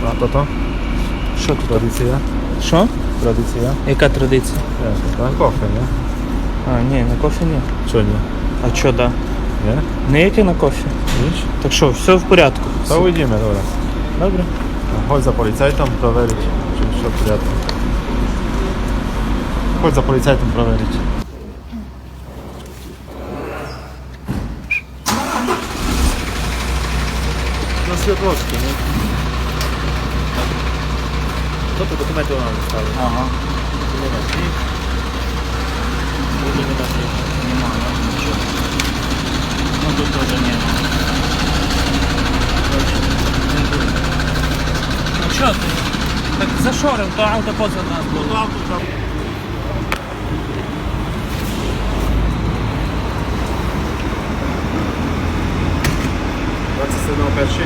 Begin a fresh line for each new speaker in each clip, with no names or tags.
То то?
Що тут?
Традиція?
Що?
Традиція?
Яка традиція?
Кофе, не?
А, ні, на кофе ні.
Що ні?
А що, да?
Ні?
Ніяке на кофе.
Ніч?
Так що, все в порядку.
Та уйдімо, добре.
Добре.
Chodź za policajtem prowadzić, czy все приятно. Chodź za policajtem prowadzić.
На Світловській, не? Тобто документи вона не ставить.
Ага.
Нема слів. Буде нема слів.
Нема, нічого. Ну тут теж нема. Ну що ти? Так зашорив, то авто поза нас було.
Це сигнал перший.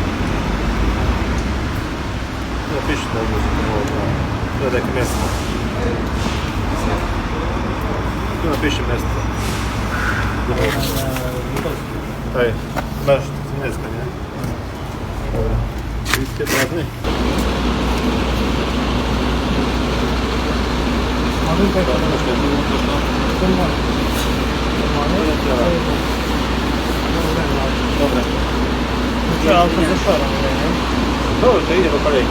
Ну, пишуть на вулиці. Це таке місце. Ну, напишемо місце. Ej, masz niemiecka, nie? Dobra. Wszystkie prawny? Dobra.
Що, авто зашорив, не?
Dobra, to idzie po kolei.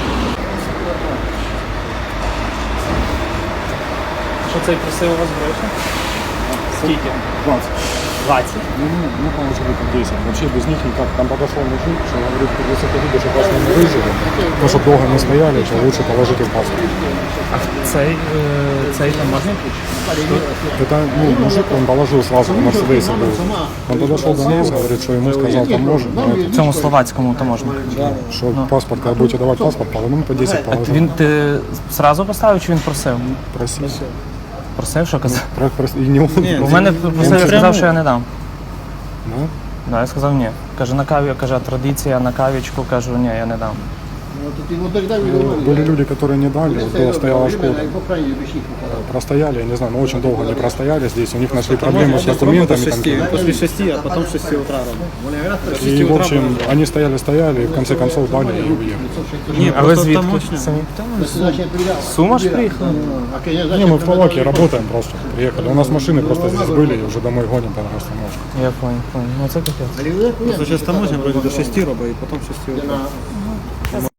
Що цей просив у вас гроші? Скільки?
20.
20?
Ну, положили по 10. Вообще без них никак. Там подошел мужик, что говорит, если ты видишь, что вас не выживем, то, чтобы долго не стояли, то лучше положите паспорт.
А цей там можна?
Это, ну, мужик, он положил сразу в Мерседесе был. Он подошел до нас, говорит, что ему сказал таможня,
В цьому словацькому то можна.
что паспорт, когда будете давать паспорт, по 10 положил.
Він ти зразу поставив чи він просив?
Просил.
Просив, що казав?
И не он.
У мене просив, я сказав, що я не дам.
Ну,
Да, я сказав ні. Каже, на каві, каже, традиція, на кавічку, кажу, ні, я не дам.
были люди, которые не дали, вот была стояла школа. Простояли, я не знаю, но очень долго не простояли здесь, у них нашли проблемы с документами. Там,
После 6, а потом 6 утра робимо.
и, в общем, они стояли, и в конце концов дали и уехали.
Ні, а ви звідки? Самі? Сума ж приїхала?
Не, мы в Словакии работаем просто, приехали. У нас машины просто здесь были, и уже домой гоним по остановке.
Я понял. Ну це капець.
Просто зараз таможня вроде до 6 робить, і потім 6 утра.